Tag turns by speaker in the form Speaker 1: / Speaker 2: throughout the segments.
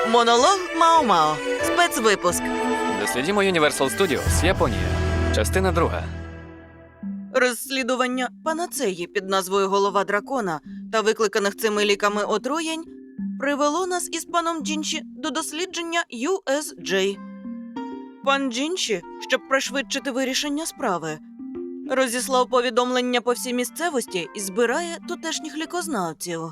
Speaker 1: Монолог Мао-Мао. Спецвипуск.
Speaker 2: Дослідімо Universal Studios, Японія. Частина 2.
Speaker 1: Розслідування панацеї під назвою «Голова дракона» та викликаних цими ліками отруєнь привело нас із паном Джінші до дослідження USJ. Пан Джінші, щоб пришвидшити вирішення справи, розіслав повідомлення по всій місцевості і збирає тутешніх лікознавців.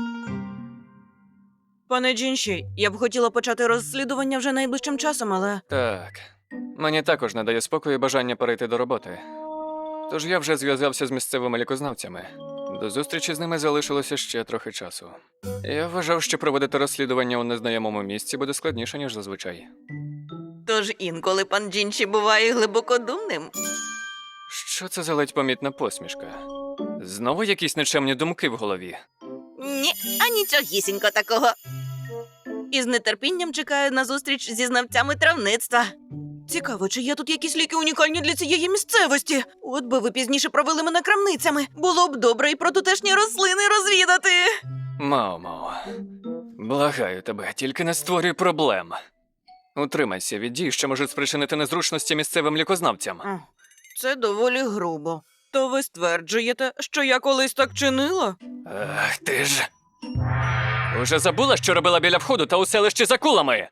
Speaker 1: Пане Джінші, я б хотіла почати розслідування вже найближчим часом, але...
Speaker 2: Так. Мені також не дає спокою бажання перейти до роботи. Тож я вже зв'язався з місцевими лікознавцями. До зустрічі з ними залишилося ще трохи часу. Я вважав, що проводити розслідування у незнайомому місці буде складніше, ніж зазвичай.
Speaker 1: Тож інколи пан Джінші буває глибокодумним.
Speaker 2: Що це за ледь помітна посмішка? Знову якісь нечемні думки в голові.
Speaker 1: Ні, а нічогісінько такого. І з нетерпінням чекаю на зустріч зі знавцями травництва. Цікаво, чи є тут якісь ліки унікальні для цієї місцевості? От би ви пізніше провели мене крамницями. Було б добре і про тутешні рослини розвідати.
Speaker 2: Мао-Мао, благаю тебе, тільки не створюй проблем. Утримайся від дій, що можуть спричинити незручності місцевим лікознавцям.
Speaker 1: Це доволі грубо. То ви стверджуєте, що я колись так чинила?
Speaker 2: Ах, ти ж. Уже забула, що робила біля входу та у селищі за кулами?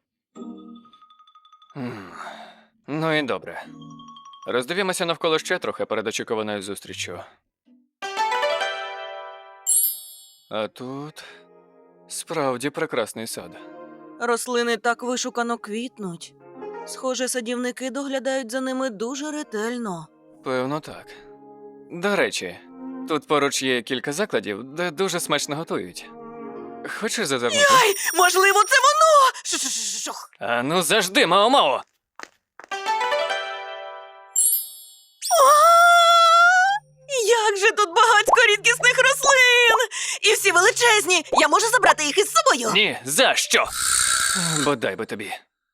Speaker 2: Ну і добре. Роздивімося навколо ще трохи перед очікуваною зустріччю. А тут справді прекрасний сад.
Speaker 1: Рослини так вишукано квітнуть. Схоже, садівники доглядають за ними дуже ретельно.
Speaker 2: Певно, так. До речі, тут поруч є кілька закладів, де дуже смачно готують. Хочеш зазирнути?
Speaker 1: Ай, можливо, це воно! Шух.
Speaker 2: А ну завжди, Мао-Мао!
Speaker 1: Як же тут багатько рідкісних рослин! І всі величезні! Я можу забрати їх із собою?
Speaker 2: Ні, за що? Бодай би тобі.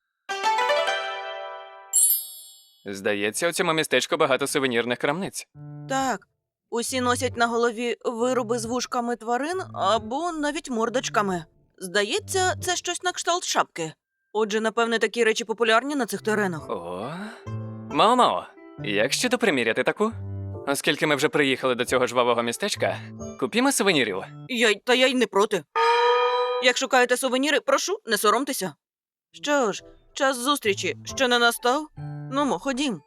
Speaker 2: Здається, у цьому містечку багато сувенірних крамниць.
Speaker 1: Так, усі носять на голові вироби з вушками тварин або навіть мордочками. Здається, це щось на кшталт шапки. Отже, напевне, такі речі популярні на цих теренах.
Speaker 2: О, Мао-Мао, як щодо приміряти таку? Оскільки ми вже приїхали до цього жвавого містечка, купімо сувенірів.
Speaker 1: Я й не проти. Як шукаєте сувеніри, прошу, не соромтеся. Що ж, час зустрічі ще не настав? Нумо, ходім.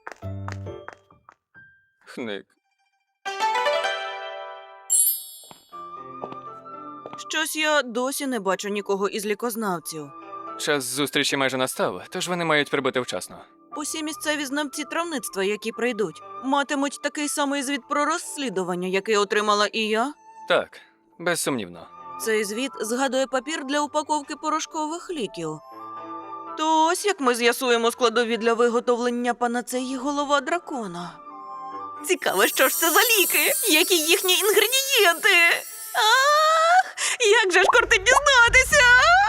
Speaker 2: Хник.
Speaker 1: Щось я досі не бачу нікого із лікознавців.
Speaker 2: Час зустрічі майже настав, тож вони мають прибути вчасно.
Speaker 1: Усі місцеві знавці травництва, які прийдуть, матимуть такий самий звіт про розслідування, який отримала і я.
Speaker 2: Так, безсумнівно.
Speaker 1: Цей звіт згадує папір для упаковки порошкових ліків. То ось як ми з'ясуємо складові для виготовлення панацеї «Голова дракона». Цікаво, що ж це за ліки? Які їхні інгредієнти? Ах, як же ж кортить дізнатися!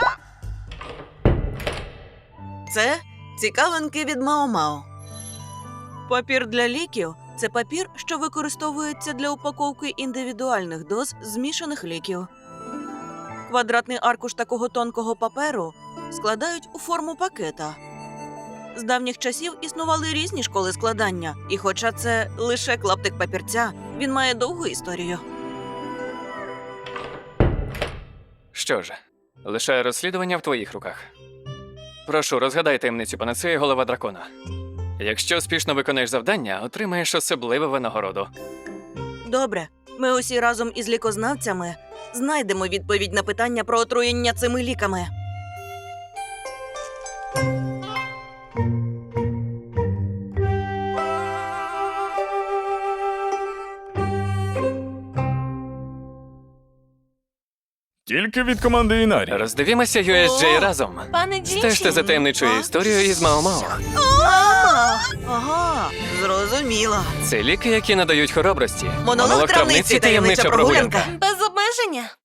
Speaker 1: Це цікавинки від Мао-Мао. Папір для ліків – це папір, що використовується для упаковки індивідуальних доз змішаних ліків. Квадратний аркуш такого тонкого паперу складають у форму пакета. З давніх часів існували різні школи складання, і хоча це лише клаптик папірця, він має довгу історію.
Speaker 2: Що ж, лишаю розслідування в твоїх руках. Прошу, розгадай таємницю панацеї «Голова дракона». Якщо успішно виконаєш завдання, отримаєш особливу винагороду.
Speaker 1: Добре, ми усі разом із лікознавцями знайдемо відповідь на питання про отруєння цими ліками.
Speaker 3: Тільки від команди Інарі.
Speaker 2: Роздивімося USJ разом.
Speaker 4: Пане Джінші!
Speaker 2: Стежте за таємничою історією із Мао-Мао.
Speaker 1: Ага, зрозуміла.
Speaker 2: Це ліки, які надають хоробрості.
Speaker 1: Монолог травниці, таємнича прогулянка.
Speaker 4: Без обмеження.